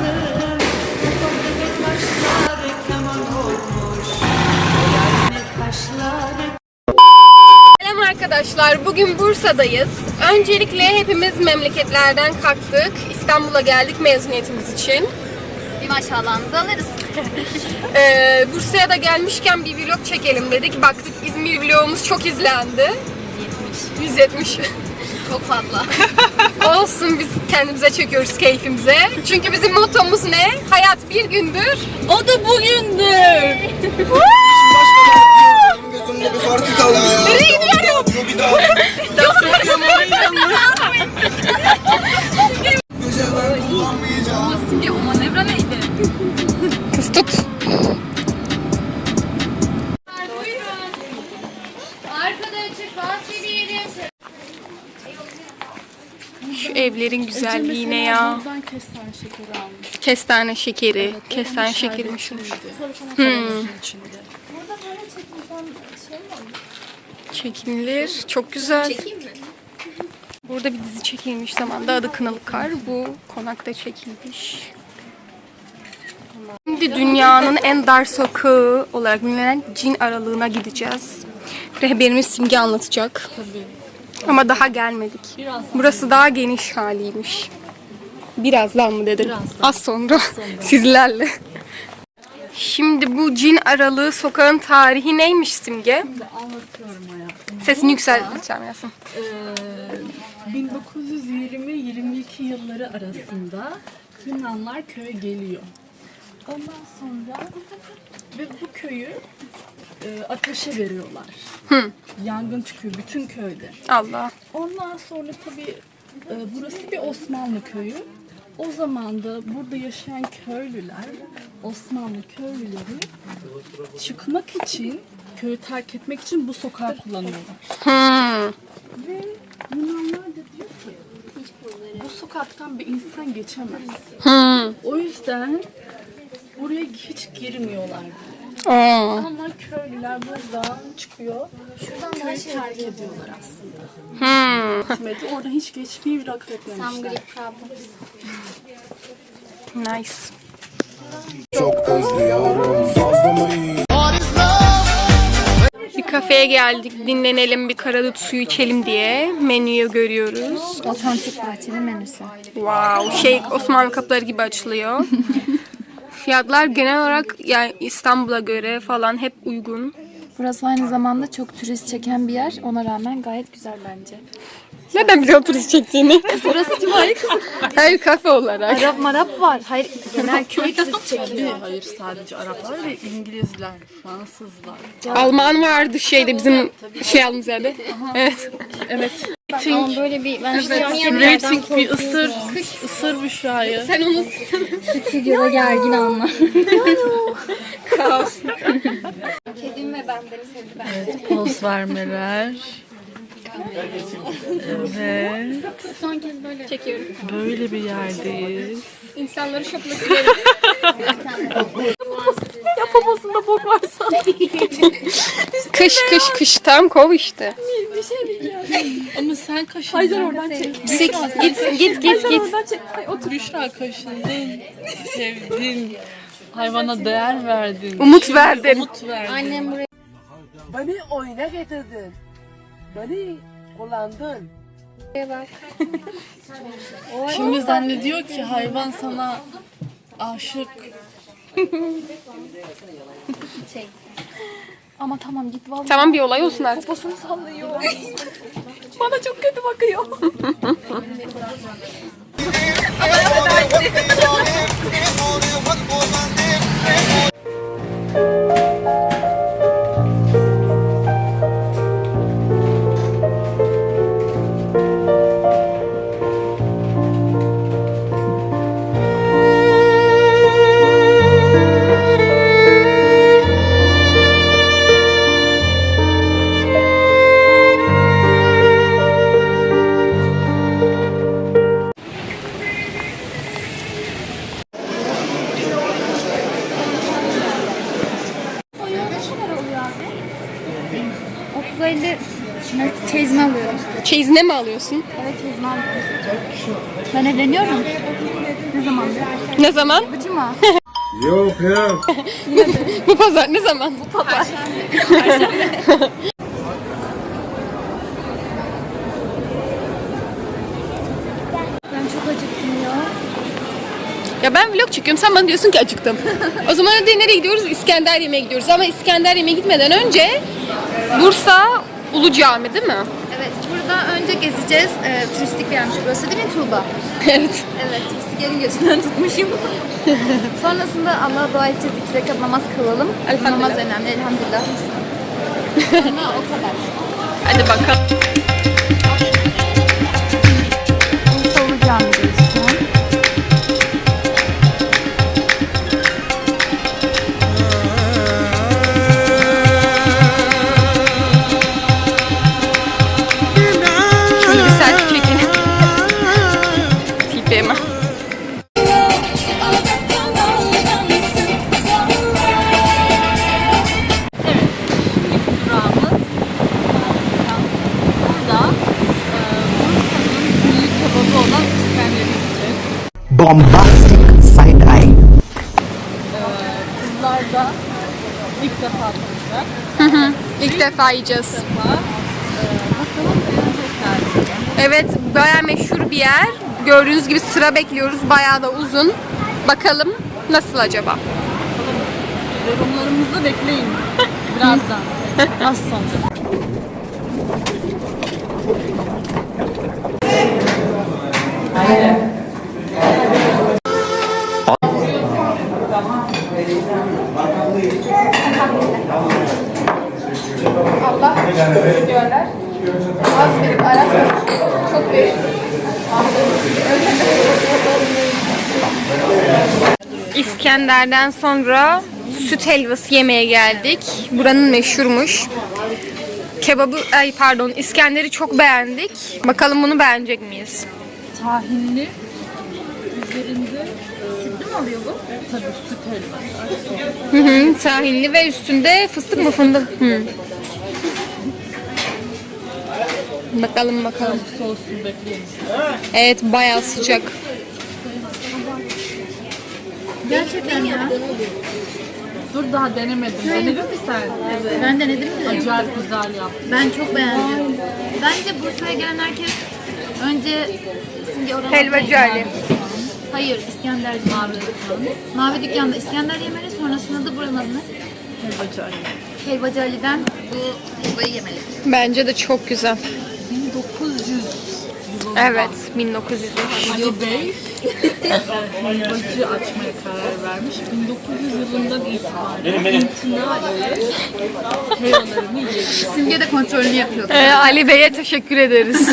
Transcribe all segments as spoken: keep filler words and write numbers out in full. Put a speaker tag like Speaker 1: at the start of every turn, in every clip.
Speaker 1: Selam arkadaşlar, bugün Bursa'dayız. Öncelikle hepimiz memleketlerden kalktık. İstanbul'a geldik mezuniyetimiz için.
Speaker 2: Bir maşallahınızı alırız.
Speaker 1: Ee, Bursa'ya da gelmişken bir vlog çekelim dedik. Baktık İzmir vlogumuz çok izlendi. yüz yetmiş.
Speaker 2: Çok fazla.
Speaker 1: Olsun, biz kendimize çekiyoruz keyfimize. Çünkü bizim mottomuz ne? Hayat bir gündür.
Speaker 2: O da bugündür.
Speaker 3: Gözümde bir farkı kaldı ya.
Speaker 1: Nereye gidiyorum? Nasıl yapıyorum
Speaker 2: Simge, o manevra neydi?
Speaker 1: Kız tut.
Speaker 2: Arkada açık bahçe bir yerim.
Speaker 1: Şu evlerin güzelliğine ya.
Speaker 4: Buradan kestane şekeri almış.
Speaker 1: Kestane şekeri. Kestane şekeri meşhur.
Speaker 4: Hmm. içinde.
Speaker 1: Çekilir. Çok güzel.
Speaker 2: Çekeyim mi?
Speaker 1: Burada bir dizi çekilmiş zamanda, adı Kınalı Kar. Bu konakta çekilmiş. Şimdi dünyanın en dar sokağı olarak bilinen Cin Aralığı'na gideceğiz. Rehberimiz Simge anlatacak. Ama daha gelmedik. Burası daha geniş haliymiş. Birazdan mı dedim? Az sonra sizlerle. Şimdi bu Cin Aralığı sokağın tarihi neymiş Simge?
Speaker 4: Şimdi anlatıyorum hayatım.
Speaker 1: Sesini yükselt lütfen Yasin.
Speaker 4: Ee, bin dokuz yüz yirmi yirmi iki yılları arasında Yunanlar köye geliyor. Ondan sonra ve bu köyü e, ateşe veriyorlar.
Speaker 1: Hı.
Speaker 4: Yangın çıkıyor bütün köyde.
Speaker 1: Allah.
Speaker 4: Ondan sonra tabii e, burası bir Osmanlı köyü. O zaman da burada yaşayan köylüler, Osmanlı köylüleri çıkmak için, köyü terk etmek için bu sokağı kullanıyorlar.
Speaker 1: Hmm.
Speaker 4: Ve Yunanlar da diyor ki, bu sokaktan bir insan geçemez.
Speaker 1: Hmm.
Speaker 4: O yüzden buraya hiç girmiyorlar.
Speaker 1: Aa.
Speaker 4: Ama köylüler buradan çıkıyor, köyü terk ediyorlar aslında.
Speaker 1: Hmm.
Speaker 4: Hikmeti oradan hiç geçmeyi bir akıl etmemişler.
Speaker 2: Some Greek problems.
Speaker 1: Nice.
Speaker 3: Çok özlüyorum. Fazla mı iyi?
Speaker 1: Bir kafeye geldik, dinlenelim, bir karadut suyu içelim diye menüyü görüyoruz.
Speaker 2: Otantik bahçenin menüsü.
Speaker 1: Wow, şey Osmanlı kapıları gibi açılıyor. Fiyatlar genel olarak yani İstanbul'a göre falan hep uygun.
Speaker 5: Burası aynı zamanda çok turist çeken bir yer. Ona rağmen gayet güzel bence.
Speaker 1: Nereden biliyor turist çektiğini?
Speaker 5: Burası cumali kızı.
Speaker 1: Hayır, kafe olarak.
Speaker 5: Arap marap var. Hayır, genel köy turist çekiyor.
Speaker 4: Tabii, hayır sadece Araplar ve İngilizler, Fransızlar.
Speaker 1: Alman vardı şeyde bizim şey aldığımız yerde. Evet.
Speaker 4: Evet.
Speaker 5: Ama böyle bir ben
Speaker 4: Rating bir ısır, ısır Büşra'yı.
Speaker 1: Sen onu
Speaker 5: stüdyoda gergin anlar.
Speaker 1: kaos.
Speaker 2: Kedim ve ben beni sevdi ben.
Speaker 4: Evet, poz vermeler. Evet,
Speaker 2: Son kez böyle
Speaker 1: Çekiyorum.
Speaker 4: böyle bir yerdeyiz.
Speaker 1: İnsanları şoklamak isterim.
Speaker 5: Yapamasında bok varsa.
Speaker 1: Kış kış kış tam kov işte.
Speaker 4: Ama sen kaşındın. Haydar oradan çek.
Speaker 1: Sik, git git git git.
Speaker 4: Otur Büşra, kaşındın. Sevdin. Hayvana değer verdin.
Speaker 1: Umut verdin.
Speaker 4: Umut verdin.
Speaker 2: Annem buraya
Speaker 6: Beni oyuna getirdin. Beni kullandın.
Speaker 2: bak.
Speaker 4: Şimdi zannediyor ki hayvan sana aşık.
Speaker 5: Ama tamam git vallahi.
Speaker 1: Tamam, bir olay olsun artık.
Speaker 5: Posunu sallıyor. Bana çok kötü bakıyor. otuz elli çeyizme alıyorum.
Speaker 1: Çeyizine mi alıyorsun?
Speaker 5: Evet çeyizme alıyorum. Ben evleniyorum. Ne zaman?
Speaker 1: Ne zaman?
Speaker 5: Bu cuma.
Speaker 3: Yok yok.
Speaker 1: Bu pazar ne zaman? Bu pazar.
Speaker 5: Ben çok acıktım ya.
Speaker 1: Ya ben vlog çekiyorum, sen bana diyorsun ki acıktım. O zaman hadi nereye gidiyoruz? İskender yemeğe gidiyoruz. Ama İskender yemeğe gitmeden önce Bursa Ulu Cami değil mi?
Speaker 5: Evet, burada önce gezeceğiz. Ee, turistik bir yermiş burası değil mi Tuğba?
Speaker 1: Evet.
Speaker 5: Evet, turistik yerin gözünden tutmuşum. Sonrasında Allah'a dua edeceğiz. İki rekat namaz kılalım.
Speaker 1: Elhamdülillah.
Speaker 5: Namaz önemli, elhamdülillah. Sonra o kadar.
Speaker 1: Hadi bakalım.
Speaker 5: Bursa Ulu Cami'deyiz şu an.
Speaker 1: Şöyle bir selfie çekin. Tipime.
Speaker 4: Durağımız. Burada e, Bursa'nın milli kebabı olan İskender'e gideceğiz.
Speaker 6: Bombastic side eye.
Speaker 4: Kızlar da ilk defa tanışacak.
Speaker 1: İlk defa yiyeceğiz.
Speaker 4: Defa. E, bakalım beğenecekler.
Speaker 1: Evet, bayağı meşhur bir yer. Gördüğünüz gibi sıra bekliyoruz. Bayağı da uzun. Bakalım nasıl acaba?
Speaker 4: Yorumlarımızı bekleyin. Birazdan. Az sonra.
Speaker 1: Allah diyorlar. Az verip aratmasın. Çok büyük. İskender'den sonra süt helvası yemeye geldik. Buranın meşhurmuş. Kebabı, ay pardon, İskender'i çok beğendik. Bakalım bunu beğenecek miyiz?
Speaker 4: Tahinli. Üzerinde sütlü mü oluyor bu? Tabii süt helvası.
Speaker 1: Hı hı, tahinli ve üstünde fıstık mı fındık? Hı. Bakalım bakalım.
Speaker 4: Sosunu bekleyin.
Speaker 1: Evet, bayağı sıcak.
Speaker 5: Gerçekten ya.
Speaker 4: Dur daha denemedim. Denedin mi sen? Evet.
Speaker 5: Ben denedim de.
Speaker 4: Acayip güzel yaptın.
Speaker 5: Ben çok beğendim. Bence Bursa'ya gelen herkes önce şimdi oralarda
Speaker 1: Helvacı Ali.
Speaker 5: Hayır, İskender Mavi Dükkan. Mavi Dükkan'da İskender yemeli, sonrasında da buranın adını
Speaker 4: Helvacı Ali.
Speaker 5: Helvacı Ali'den bu helvayı yemeli.
Speaker 1: Bence de çok güzel.
Speaker 4: bin dokuz yüz yılında
Speaker 1: Evet, bin dokuz yüz.
Speaker 4: Ali Bey helvacı açmaya karar vermiş. bin dokuz yüz yılından itibaren itina ile helvalarını yiyebilir.
Speaker 5: Simge de kontrolünü yapıyordu.
Speaker 1: Ee, Ali Bey'e teşekkür ederiz.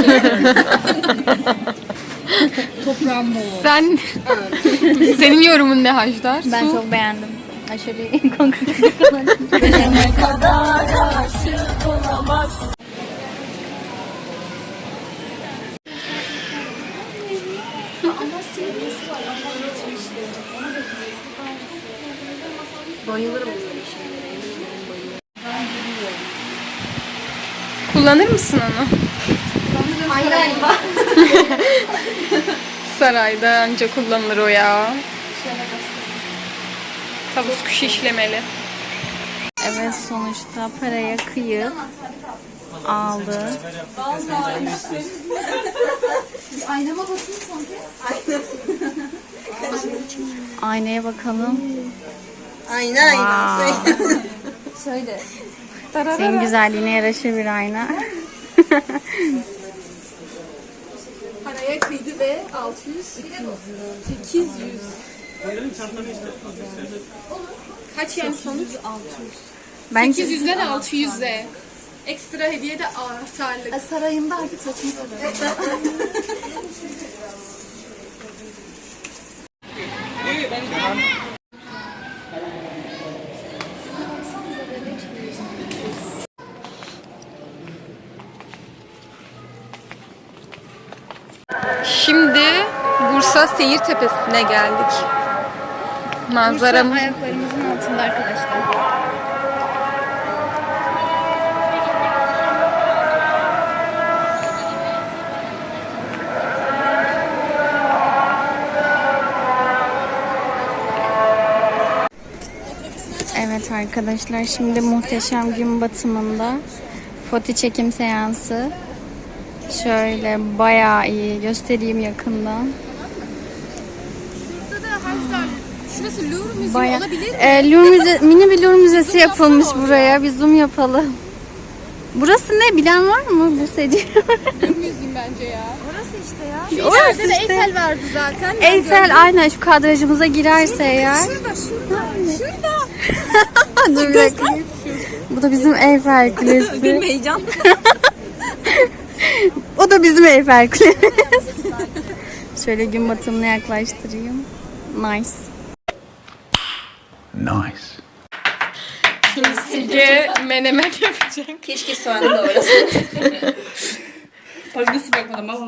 Speaker 4: Toprağın bol olsun.
Speaker 1: Sen, senin yorumun ne Hajdar?
Speaker 5: Ben
Speaker 1: Su?
Speaker 5: çok beğendim. Aşırı konkret olarak. Bayılırım.
Speaker 1: Kullanır mısın onu?
Speaker 5: Ay galiba.
Speaker 1: Sarayda anca kullanılır o ya. Tavus kuşu işlemeli.
Speaker 5: Evet, sonuçta paraya kıyıp aldı. Aynama bakayım son kez. Aynaya bakalım.
Speaker 7: Ayna ayna.
Speaker 5: Şöyle. Senin güzelliğine yaraşır bir ayna.
Speaker 1: Paraya kıydı ve altı yüz, sekiz yüz. Kaç yani sonuç?
Speaker 5: Bence
Speaker 1: sekiz yüzle de altı yüzle. Ekstra hediye de anahtarlık.
Speaker 5: sarayında artık saçımı tarıyorum.
Speaker 1: Şimdi Bursa Seyir Tepesi'ne geldik. Manzaramız
Speaker 5: Ayaklarımızın altında arkadaşlar.
Speaker 2: Evet arkadaşlar, şimdi muhteşem gün batımında foto çekim seansı. Şöyle bayağı iyi göstereyim yakından.
Speaker 1: Şurası Louvre Müziği
Speaker 2: Bayağı.
Speaker 1: olabilir mi?
Speaker 2: Ee, Louvre müze, mini bir Louvre müzesi yapılmış buraya. Bir zoom yapalım. Burası ne, bilen var mı bu seri?
Speaker 1: Müziğim bence ya. Orası işte ya.
Speaker 2: Orası
Speaker 1: İleride de
Speaker 2: işte.
Speaker 1: Eiffel vardı zaten. Ben
Speaker 2: Eiffel
Speaker 1: gördüm.
Speaker 2: aynen şu kadrajımıza girerse eğer.
Speaker 1: Şurada, şurada, şurada.
Speaker 2: Dur bir dakika. Bu da bizim Eiffel Kulesi.
Speaker 1: Benim heyecan.
Speaker 2: O da bizim Eiffel Kulesi. Şöyle gün batımına yaklaştırayım. Nice.
Speaker 6: Nice.
Speaker 1: Simge menemen yapacak.
Speaker 7: Keşke soğanı da orası.
Speaker 4: Bak nasıl bakmadım ama.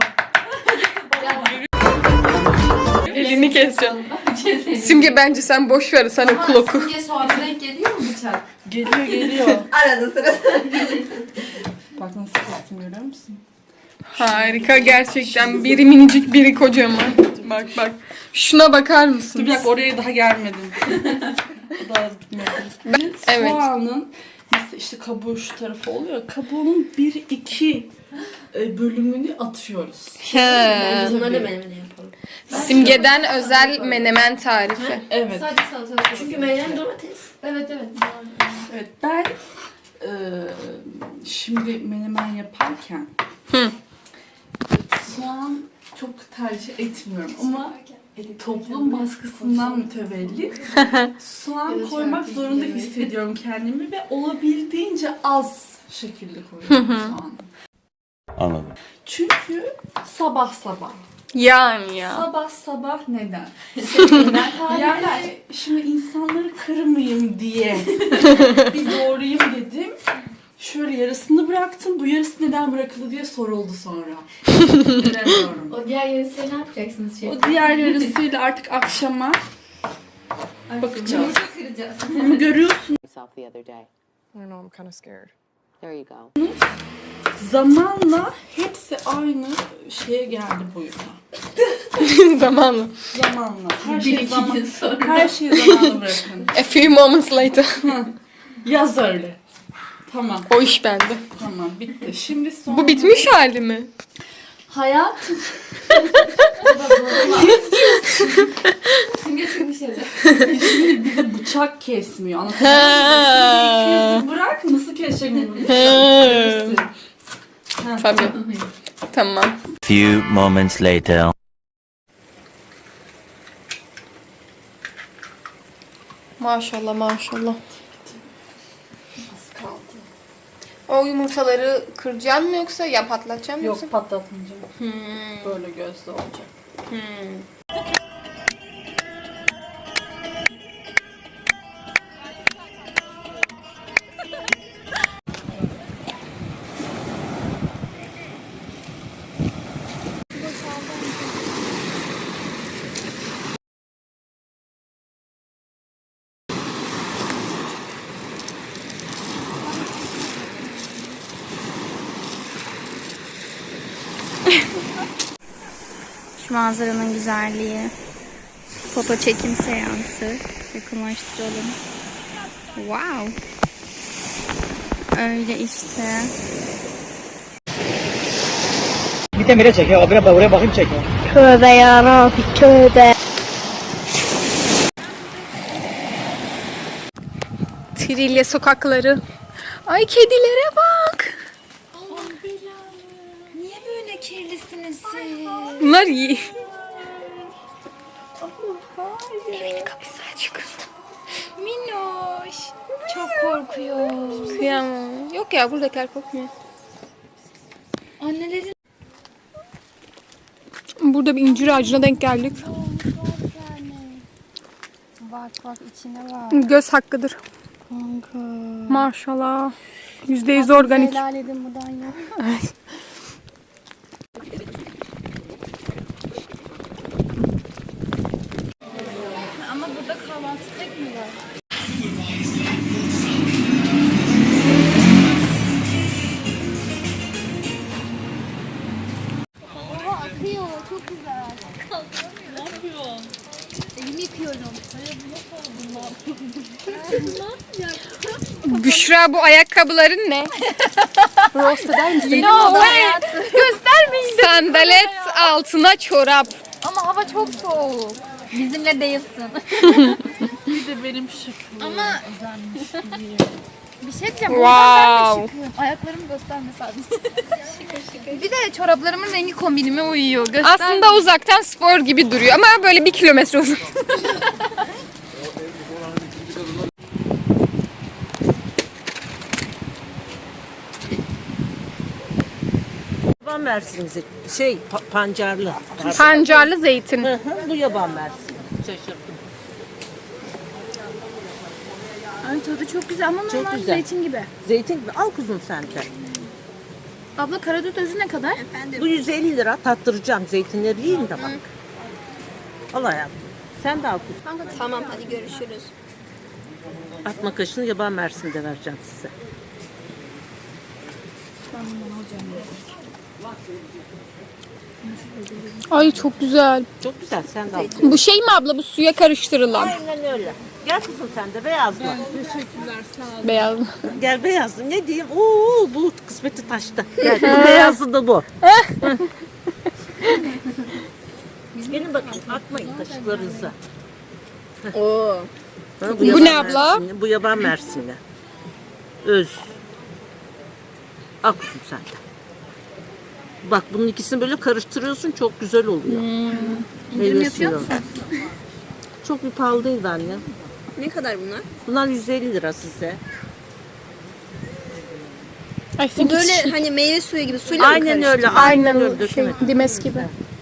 Speaker 1: Elini keseceğim. Simge bence sen boş ver, sen okul oku.
Speaker 5: Simge soğana denk geliyor mu bıçak?
Speaker 4: Geliyor geliyor.
Speaker 7: Arada sırada.
Speaker 4: Bak nasıl kestim, görüyor musun?
Speaker 1: Harika gerçekten. Biri minicik, biri kocaman. Bak bak. Şuna bakar
Speaker 4: Dur
Speaker 1: mısınız?
Speaker 4: bir dakika, oraya daha gelmedim. Daha bitmedi.
Speaker 1: Evet.
Speaker 4: Soğanın mesela işte kabuğu şu tarafı oluyor. Kabuğunun bir iki e, bölümünü atıyoruz.
Speaker 1: He.
Speaker 7: Bunları da menemene yapalım.
Speaker 1: Simge'den özel menemen tarifi.
Speaker 4: Evet.
Speaker 5: Sadece salatalık.
Speaker 7: Çünkü menemen domates.
Speaker 5: Evet evet.
Speaker 4: Evet, ben e, şimdi menemen yaparken
Speaker 1: Hı.
Speaker 4: soğan çok tercih etmiyorum ama toplum baskısından mütevellit soğan koymak zorunda hissediyorum kendimi ve olabildiğince az şekilde koyuyorum soğanı.
Speaker 3: Anladım.
Speaker 4: Çünkü sabah sabah.
Speaker 1: Yani ya.
Speaker 4: Sabah sabah neden? Yani şimdi insanları kırmayayım diye bir doğrayayım dedim. Şöyle yarısını bıraktım. Bu yarısı neden bırakıldı diye soruldu sonra. Bilemiyorum.
Speaker 5: O diğer yarısıyla ne yapacaksınız şey?
Speaker 4: O diğer yarısıyla artık akşama bakacağız.
Speaker 5: Kıracağız.
Speaker 4: Ama görüyorsun,
Speaker 8: Myself the other day.
Speaker 9: I don't know, I'm kind of scared.
Speaker 8: There you go.
Speaker 4: zamanla hepsi aynı şeye geldi boyuna.
Speaker 1: Zamanla.
Speaker 4: Zamanla. Her
Speaker 5: Bir
Speaker 4: şey
Speaker 5: iki
Speaker 4: zaman.
Speaker 5: gün sonra.
Speaker 4: Her şeyi zamanla bırakın.
Speaker 1: A few moments later.
Speaker 4: Yaz öyle. Tamam.
Speaker 1: O iş bende.
Speaker 4: Tamam, bitti. Şimdi son.
Speaker 1: Bu bitmiş hali mi?
Speaker 4: Hayat.
Speaker 5: Simge çıkmış yazı.
Speaker 4: Şimdi bir de bıçak kesmiyor. Anlatabiliyor
Speaker 1: Ha.
Speaker 4: muyum? Bırak nasıl kesecek bunu?
Speaker 1: Ha. Tabii. Tamam.
Speaker 10: Few moments later.
Speaker 1: Maşallah maşallah. O yumurtaları kıracaksın mı yoksa ya patlatacaksın mı yoksa?
Speaker 4: Yok, patlatmayacağım. Böyle gözlü olacak.
Speaker 2: Şu manzaranın güzelliği. Foto çekim seansı. Yakınlaştıralım. Wow. Öyle işte.
Speaker 6: Bir de nereye çekiyor? Abine bak, oraya bakayım çekiyor.
Speaker 2: Tövbe yarabbi tövbe.
Speaker 1: Trilye sokakları. Ay kedilere bak.
Speaker 2: Niye böyle kirlisiniz siz?
Speaker 1: Bunlar iyi. Evin kapısı açık.
Speaker 2: Minnoş. Çok korkuyor.
Speaker 1: Kıyamam. Yok ya buradakiler korkmuyor.
Speaker 2: Annelerin
Speaker 1: Burada bir incir ağacına denk geldik.
Speaker 2: bak bak içine bak.
Speaker 1: Göz hakkıdır.
Speaker 2: Kanka.
Speaker 1: Maşallah. Yüzde yüz organik.
Speaker 2: Helal edin buradan ya. Ama burada kahvaltı tek mi var? Oha akıyor, çok güzel. Ne yapıyorsun? Elimi yıkıyorum.
Speaker 1: Büşra bu ayakkabıların ne? Roast eder misin?
Speaker 2: No way.
Speaker 1: Göstermeyin. Sandalet altına çorap.
Speaker 2: Ama hava çok soğuk. Bizimle değilsin.
Speaker 4: Bir de benim şıkkım.
Speaker 2: Ama bir şey diyeceğim.
Speaker 1: Wow.
Speaker 2: Buradan ben de şıkıyorum. Ayaklarımı gösterme sadece. Bir de çoraplarımın rengi kombinime uyuyor. Göster.
Speaker 1: Aslında uzaktan spor gibi duruyor ama böyle bir kilometre uzun.
Speaker 9: Yaban mersini şey pa- pancarlı.
Speaker 1: Pancarlı zeytin.
Speaker 9: Hı hı, bu yaban mersini. Şaşırdım.
Speaker 2: Ay tadı çok güzel ama
Speaker 9: Çok
Speaker 2: normal
Speaker 9: güzel.
Speaker 2: zeytin gibi.
Speaker 9: Zeytin gibi al kuzum sen de.
Speaker 2: Abla karadut özü ne kadar?
Speaker 9: Bu yüz elli lira tattıracağım. Zeytinleri yiyin de bak. Al hayatım. Sen de al kuzum.
Speaker 7: Tamam hadi görüşürüz.
Speaker 9: Atma kaşını yaban mersini de vereceğim size.
Speaker 1: Ay çok güzel.
Speaker 9: Çok güzel sen de al.
Speaker 1: Bu şey mi abla bu suya karıştırılan?
Speaker 9: Aynen öyle. Gel kuzum sen de beyazlı.
Speaker 4: Teşekkürler sağ olun.
Speaker 1: Beyaz.
Speaker 9: Gel beyazlı. Ne diyeyim? Oo bu kısmeti taştı. Gel bu beyazlı da bu. Gelin bakın atmayın kaşıklarınızı.
Speaker 1: Oo.
Speaker 9: Ha,
Speaker 1: Bu
Speaker 9: yaban
Speaker 1: ne abla?
Speaker 9: mersini, bu yaban mersini. Öz. Al kuzum sen de. Bak bunun ikisini böyle karıştırıyorsun çok güzel oluyor. İndirim yapıyor musun? Çok bir pahalı değil anne.
Speaker 7: Ne kadar bunlar?
Speaker 9: Bunlar yüz elli lira size.
Speaker 1: I think
Speaker 7: Bu
Speaker 1: it's
Speaker 7: böyle
Speaker 1: cheap.
Speaker 7: hani meyve suyu gibi suyla mı
Speaker 9: Aynen
Speaker 7: karıştı?
Speaker 9: öyle. Aynen öyle.
Speaker 1: Aynen şey,
Speaker 9: döküme.
Speaker 1: dimes gibi.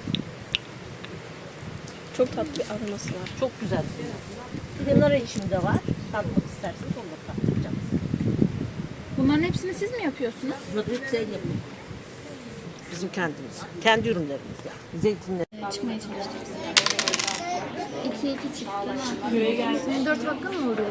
Speaker 7: Çok tatlı bir aroması var.
Speaker 9: Çok güzel. Bir de nar içinde var. Tatmak isterseniz onu da tattıracağım.
Speaker 2: Bunların hepsini siz mi yapıyorsunuz?
Speaker 9: Bunları hep sen yapın. Bizim kendimiz. Kendi ürünlerimiz yani. Zeytinler.
Speaker 2: Çıkmaya çalışacağız. İki iki çıktı. Köye gelsin. Dört dakika mı oluyor?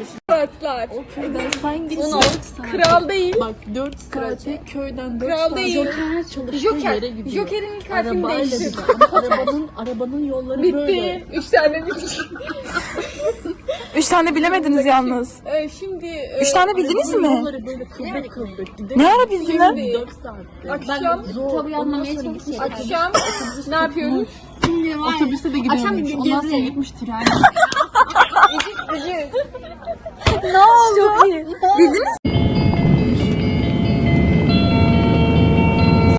Speaker 1: Kral değil.
Speaker 4: Bak dört saate köyden dört
Speaker 1: Kral
Speaker 4: saat
Speaker 1: değil.
Speaker 4: Joker çalıştığı
Speaker 1: Joker.
Speaker 4: yere gidiyor.
Speaker 1: Joker'in ilk harfini
Speaker 4: Arabayla
Speaker 1: değiştir.
Speaker 4: gidiyor. Ama arabanın, arabanın yolları böyle.
Speaker 1: Bitti. Üç tane bitti.
Speaker 11: Üç tane bilemediniz yalnız.
Speaker 1: Ee, şimdi
Speaker 11: Üç tane bildiniz mi?
Speaker 4: Yolları böyle kıvrak kıvrak gidiyor.
Speaker 11: Ne ara bildin?
Speaker 4: dört saat.
Speaker 1: akşam,
Speaker 2: Kitabı yazmamaya çalışıyorum.
Speaker 1: akşam ne yapıyoruz?
Speaker 4: Otobüse de gidiyormuş. Ondan sonra gitmiş tren.
Speaker 11: Ne oldu?